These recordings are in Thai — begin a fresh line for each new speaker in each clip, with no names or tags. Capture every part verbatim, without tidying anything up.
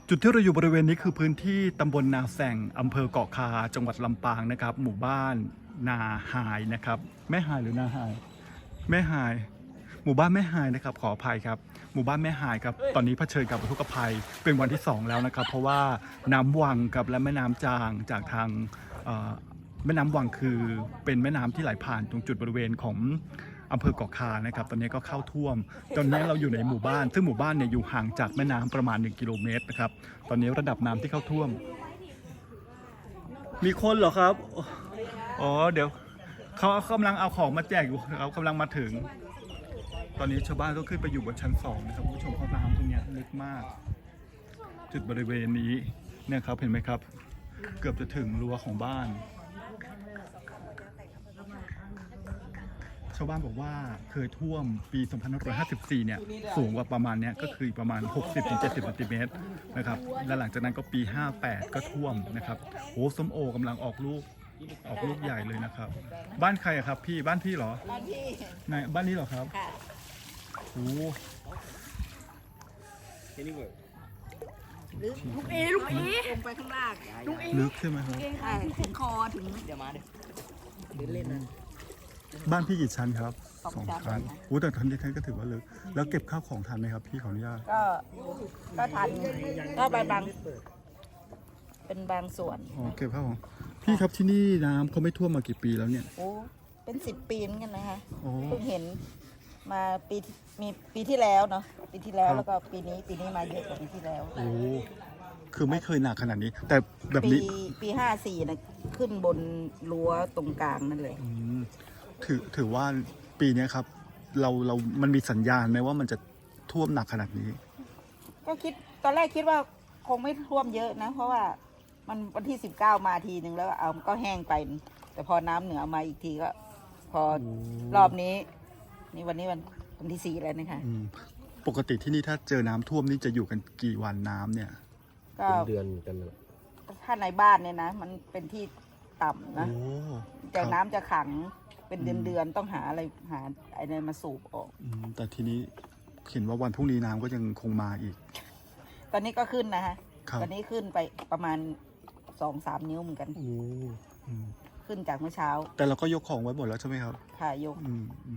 จุดที่เราอยู่บริเวณนี้คือพื้นที่ตำบลนาแสงอำเภอเกาะคาจังหวัดลำปางนะครับหมู่บ้านนาหายนะครับแม่หายหรือนาหายแม่หายหมู่บ้านแม่หายนะครับขออภัยครับหมู่บ้านแม่หายครับตอนนี้เผชิญกับอุทกภัยเป็นวันที่สองแล้วนะครับเพราะว่าน้ำวังกับและแม่น้ำจางจากทางแม่น้ำวังคือเป็นแม่น้ำที่ไหลผ่านตรงจุดบริเวณของอำเภอเกาะคานะครับตอนนี้ก็เข้าท่วมตอนนี้เราอยู่ในหมู่บ้านซึ่งหมู่บ้านเนี่ยอยู่ห่างจากแม่น้ำประมาณหนึ่งกิโลเมตรนะครับตอนนี้ระดับน้ำที่เข้าท่วมมีคนเหรอครับอ๋อเดี๋ยวเขากำลังเอาของมาแจกอยู่เขากำลังมาถึงตอนนี้ชาวบ้านต้องขึ้นไปอยู่บนชั้นสองนะครับผู้ชมเขาน้ำตรงนี้ลึกมากจุดบริเวณนี้เนี่ยครับเห็นไหมครับเกือบจะถึงรั้วของบ้านชาวบ้านบอกว่าเคยท่วมปีสองพันห้าร้อยห้าสิบสี่เนี่ยสูงกว่าประมาณเนี้ยก็คือประมาณ หกสิบถึงเจ็ดสิบ เซนติเมตรนะครับและหลังจากนั้นก็ปีห้าแปดก็ท่วมนะครับโอ้ส้มโอกำลังออกลูกออกลูกใหญ่เลยนะครับบ้านใครอะครับพี่บ้านพี่เหรอบ้านพี่ไหนบ้านนี้เหรอครับค่ะโอ้
ลูกเอลูกเอลงไปข้างล่างลูกเอ
ลึกใช่ไหมครับ
ใช่ถึงคอถึงเดี๋ยวมาเดี๋ยวเล่นนะ
บ้านพี่กี่ชั้นครับ
สองชั้น
โอ้แต่ทันที่ท่านก็ถือว่าลึกแล้วเก็บข้าวของทันไหมครับพี่ขออนุญาต
ก็ก็ทันก็ไปบางเป็นบางส่วน
อ๋อเก็บข้าวของพี่ครับที่นี่น้ำเขาไม่ท่วมมากี่ปีแล้วเนี่ย
โอ้เป็นสิบปีเหมือนกันนะคะ
เ
พิ่งเห็นมาปีมีปีที่แล้วเนาะปีที่แล้วแล้วก็ปีนี้ปีนี้มาเยอะกว่าปีที่แล้ว
โอ้คือไม่เคยหนักขนาดนี้แต่แบบนี้
ปีปีห้าสี่นะขึ้นบนรั้วตรงกลางนั่นเลย
ถือถือว่าปีนี้ครับเราเรามันมีสัญญาณไหมว่ามันจะท่วมหนักขนาดนี้
ก็คิดตอนแรกคิดว่าคงไม่ท่วมเยอะนะเพราะว่ามันวันที่สิบเก้ามาทีหนึ่งแล้วเอาก็แห้งไปแต่พอน้ำเหนือมาอีกทีก็พอรอบนี้นี่วันนี้วันวันที่สี่แล้วนะคะ
ปกติที่นี่ถ้าเจอน้ำท่วมนี่จะอยู่กันกี่วันน้ำเนี่ย
ก็
เดือนกัน
ถ้าในบ้านเนี่ยนะมันเป็นที่ต่ำนะแต่น้ำจะขังเป็นเดือนๆต้องหาอะไรหาอะไรมาสูบออก
แต่ทีนี้เห็นว่าวันพรุ่งนี้น้ำก็ยังคงมาอีก
ตอนนี้ก็ขึ้นนะฮะตอนนี้ขึ้นไปประมาณสองสามนิ้วเหมือนกันขึ้นจากเมื่อเช้า
แต่เราก็ยกของไว้หมดแล้วใช่ไหมครับ
ค่ะยก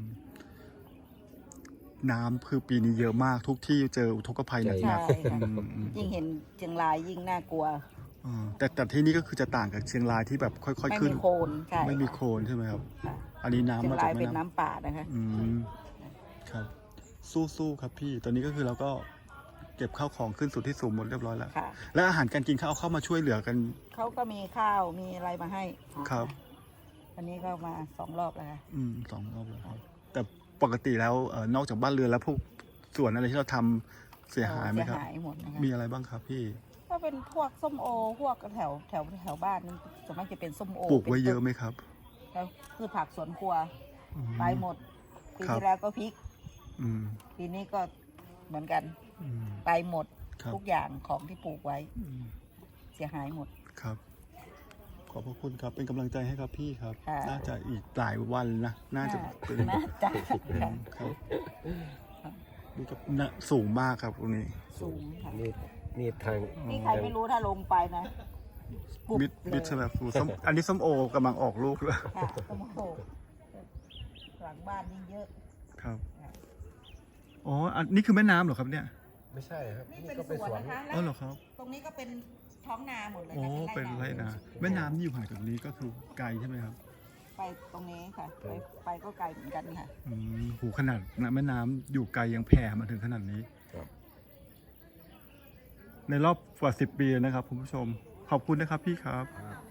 น้ำคือปีนี้เยอะมากทุกที่เจออุทกภัยหนัก
ๆยิ่งเห็นเชียงรายยิ่งน่ากลัว
แต่แต่ที่นี่ก็คือจะต่างกับเชียงรายที่แบบค่อยๆขึ้น
ไม่มีโคลนใช่
ไม่มีโคลนใช่ไหมครับอันนี้น้ำ
เชียงรายเป็นน้ำป่านะคะ
อืมครับสู้ๆครับพี่ตอนนี้ก็คือเราก็เก็บข้าวของขึ้นสู่ที่สูงหมดเรียบร้อยแล้วและอาหารการกินเขาเอาเข้ามาช่วยเหลือกัน
เขาก็มีข้าวมีอะไรมาให้
ครับ
อันนี้ก็มาสองรอบแล้วค่ะ
อืมสองรอบแล้วครับแต่ปกติแล้วนอกจากบ้านเรือนแล้วพวกส่วนอะไรที่เราทำเสียหายไหมครับ
เสียหายหมดนะคะ
มีอะไรบ้างครับพี่
ก็เป็นพวกส้มโอพวกแถวแถวแถวบ้านนั่นส่วนมากจะเป็นส้มโอ
ปลูกไว้เยอะไหมครับ
แล้วพืชผักสวนครัวไปหมดปีที่แล้วก็พริกปีนี้ก็เหมือนกันไปหมดทุกอย่างของที่ปลูกไว้เสียหายหมด
ครับขอบพระคุณครับเป็นกำลังใจให้ครับพี่ครับน่าจะอีกหลายวันนะน่าจะเป็น
น่าจะ
ครับนี่ก็สูงมากครับตรงนี้
สูงค่ะ
นี่นี่ทาง
นี่ใครไม่รู้ถ้าลงไปนะ
มิดมิดใช่ไหมส้มอันนี้ส้มโอกำลังออกลูกเลย
ค่ะส้มโอหลังบ้านยิ่งเยอะ
ครับอ๋ออันนี้คือแม่น้ำเหรอครับเนี่ย
ไม่ใช่ครับ
นี่เป็นสวนนะคะ
อ๋อเหรอครับ
ตรงนี้ก็เป็นท้องนาหมดเลย
อ๋อเป็นไรนาแม่น้ำอยู่ห่างจากนี้ก็คือไกลใช่ไหมครับ
ไปตรงนี้ค่ะไปไปก็ไกลเหมือนกันค่ะ
อืมหูขนาดแม่น้ำอยู่ไกลยังแผ่มาถึงขนาดนี้ในรอบกว่าสิบปีนะครับคุณผู้ชมขอบคุณนะครับพี่ครับ